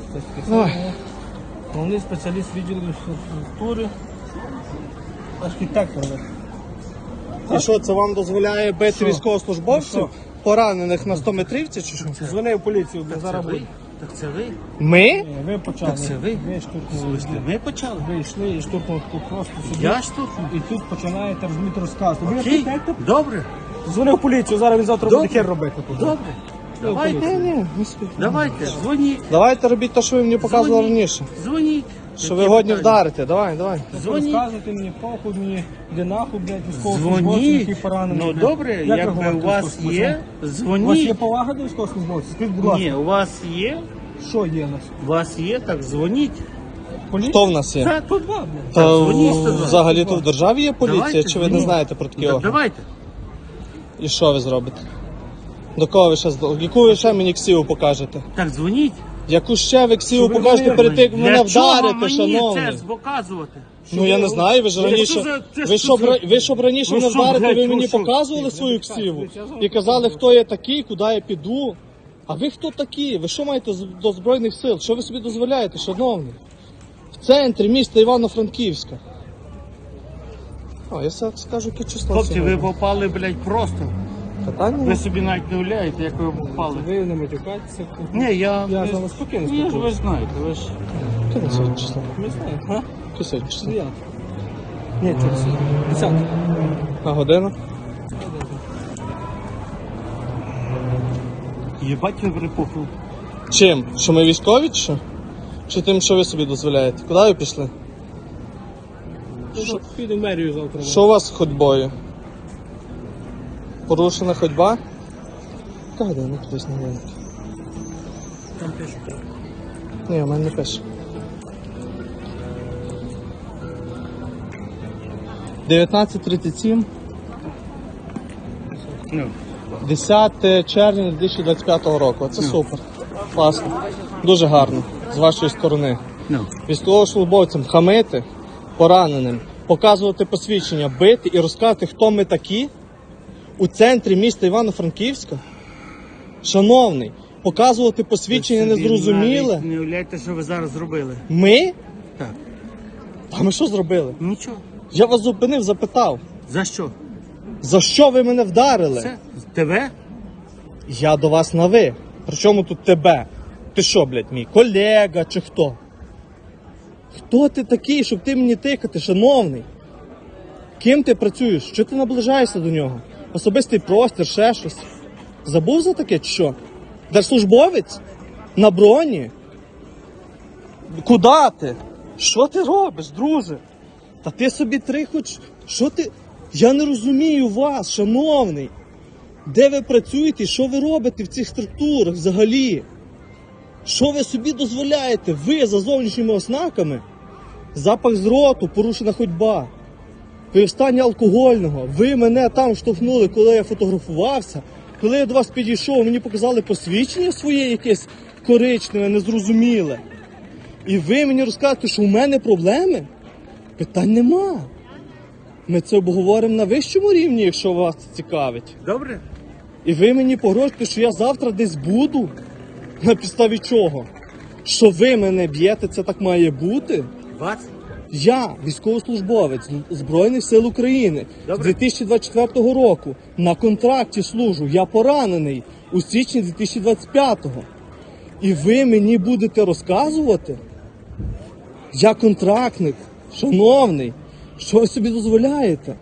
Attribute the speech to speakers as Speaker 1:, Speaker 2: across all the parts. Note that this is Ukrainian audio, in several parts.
Speaker 1: Головний спеціаліст відділу інфраструктури, архітектор.
Speaker 2: І що, це вам дозволяє бити
Speaker 1: Що?
Speaker 2: військовослужбовців,
Speaker 1: Що?
Speaker 2: поранених на 100-метрівці чи що?
Speaker 1: Дзвони в поліцію, бо зараз буде.
Speaker 3: Так це ви?
Speaker 2: Ми?
Speaker 1: Ви почали.
Speaker 3: Так це ви?
Speaker 1: Ви штурхнули.
Speaker 3: Ви почали?
Speaker 1: Ви йшли і штурхнули тут просто собі.
Speaker 3: Я штурхнув?
Speaker 1: І тут починаєте розуміти розказ. Ви
Speaker 3: Окей,
Speaker 1: архітектор?
Speaker 3: добре,
Speaker 1: Дзвони в поліцію, зараз він завтра
Speaker 3: Добре.
Speaker 1: буде хер робити тут.
Speaker 3: добре. Давайте,
Speaker 2: Ні,
Speaker 3: давайте, дзвоніть,
Speaker 2: Давайте робіть те, що ви мені показували раніше.
Speaker 3: дзвоніть.
Speaker 2: Що ви
Speaker 3: Які
Speaker 2: годні
Speaker 3: питання?
Speaker 2: вдарите, давай.
Speaker 3: Дзвоніть.
Speaker 1: Розказуйте мені, похуй мені, де нахуй, блядь, військовослужбовців,
Speaker 3: Дзвоніть.
Speaker 1: які поранені.
Speaker 3: Ну
Speaker 1: блядь.
Speaker 3: добре,
Speaker 1: Як ви
Speaker 3: якби
Speaker 1: говорите
Speaker 3: у вас
Speaker 1: військовослужбовцям?
Speaker 3: є,
Speaker 1: У вас є
Speaker 3: дзвоніть.
Speaker 1: повага до військовослужбовців? Скажіть, будь ласка,
Speaker 3: Ні, у вас є,
Speaker 1: що є у нас?
Speaker 3: у вас є, так дзвоніть.
Speaker 1: Поліція?
Speaker 2: Хто в нас є?
Speaker 3: Так,
Speaker 1: Тут два, блядь.
Speaker 2: Та
Speaker 3: дзвоніть 102.
Speaker 2: взагалі тут в державі є поліція,
Speaker 3: Давайте,
Speaker 2: чи ви не
Speaker 3: дзвоніть.
Speaker 2: знаєте про такі
Speaker 3: Так,
Speaker 2: органи?
Speaker 3: давайте.
Speaker 2: І що ви зробите? До кого ви ще яку ви ще мені ксіву покажете?
Speaker 3: Так, дзвоніть.
Speaker 2: Яку ще ви ксіву
Speaker 1: ви
Speaker 2: покажете
Speaker 1: говорите?
Speaker 2: перед тим, як мене
Speaker 3: Для чого
Speaker 2: вдарите,
Speaker 3: мені
Speaker 2: шановний?
Speaker 3: це показувати?
Speaker 2: Ну я не знаю, ви ж
Speaker 3: Це
Speaker 2: раніше.
Speaker 3: що за- це
Speaker 2: Ви
Speaker 3: що
Speaker 2: щоб
Speaker 3: за-
Speaker 2: ви щоб раніше
Speaker 3: Ви
Speaker 2: мене
Speaker 3: що,
Speaker 2: вдарите,
Speaker 3: блядь,
Speaker 2: ви
Speaker 3: ви
Speaker 2: мені
Speaker 3: що?
Speaker 2: показували свою ксіву і казали, хто я такий, куди я піду. А ви хто такі? Ви що маєте до Збройних сил? Що ви собі дозволяєте, шановний? В центрі міста Івано-Франківська. О, я скажу, яке число
Speaker 3: Хлопці, ви
Speaker 2: сьогодні.
Speaker 3: попали, блядь, просто.
Speaker 2: Питання?
Speaker 3: Ви собі навіть не уявляєте, як ви попали.
Speaker 1: Ви не матюкайтеся.
Speaker 3: Ні, я
Speaker 1: Я з
Speaker 3: не-
Speaker 1: вами спокійно
Speaker 3: Ні, ж ви
Speaker 1: спілкуюся.
Speaker 3: знаєте, ви ж...
Speaker 2: Яке сьогодні число?
Speaker 1: Не знаю, а?
Speaker 2: Яке сьогодні число?
Speaker 1: 9. Ні, через 10.
Speaker 2: А година?
Speaker 3: Єбать ви припухли.
Speaker 2: Чим? Що ми військові чи що? Чи тим, що ви собі дозволяєте? Куди ви пішли?
Speaker 1: Піду в мерію завтра.
Speaker 2: Що у вас з ходьбою? Порушена ходьба? Яка година кудись на годинник?
Speaker 1: Там пишуть.
Speaker 2: Ні, у мене не пише. 19:37,
Speaker 3: Ну,
Speaker 2: 10 червня 2025 року. Це супер. Класно. Дуже гарно. З вашої сторони.
Speaker 3: ну.
Speaker 2: Військовослужбовцям хамити, пораненим, показувати посвідчення, бити і розказати, хто ми такі у центрі міста Івано-Франківська. Шановний, показувати посвідчення
Speaker 3: Ви собі
Speaker 2: незрозуміле.
Speaker 3: навіть не уявляєте, що ви зараз зробили.
Speaker 2: Ми?
Speaker 3: Так.
Speaker 2: А ми що зробили?
Speaker 3: Нічого.
Speaker 2: Я вас зупинив, запитав,
Speaker 3: За що?
Speaker 2: за що ви мене вдарили?
Speaker 3: Це? Тебе?
Speaker 2: Я до вас на ви. Причому тут тебе? Ти що, блядь, мій колега чи хто? Хто ти такий, щоб ти мені тикати, шановний? Ким ти працюєш? Що ти наближаєшся до нього? Особистий простір, ще щось. Забув за таке чи що? Держслужбовець? На броні? Куда ти? Що ти робиш, друже? Та ти собі три хоч... Що ти... Я не розумію вас, шановний. Де ви працюєте і що ви робите в цих структурах взагалі? Що ви собі дозволяєте? Ви за зовнішніми ознаками? Запах з роту, порушена ходьба. Ви в стані алкогольного. Ви мене там штовхнули, коли я фотографувався. Коли я до вас підійшов, мені показали посвідчення своє якесь коричневе, незрозуміле. І ви мені розказуєте, що у мене проблеми? Питань нема. Ми це обговоримо на вищому рівні, якщо вас це цікавить.
Speaker 3: Добре?
Speaker 2: І ви мені погрожуєте, що я завтра десь буду? На підставі чого? Що ви мене б'єте, це так має бути?
Speaker 3: Вас?
Speaker 2: Я військовослужбовець Збройних сил України з
Speaker 3: Добре.
Speaker 2: 2024 року. На контракті служу. Я поранений у січні 2025-го. І ви мені будете розказувати? Я контрактник, шановний. Що ви собі дозволяєте?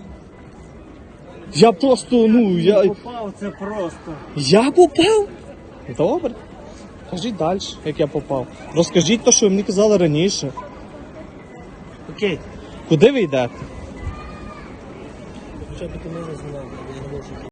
Speaker 2: Я просто,
Speaker 3: Попав, це просто.
Speaker 2: Я попав? Добре. Кажіть далі, як я попав. Розкажіть те, що ви мені казали раніше.
Speaker 3: Окей.
Speaker 2: Куди ви йдете?
Speaker 1: Хоча б ти мене знав, я не можу.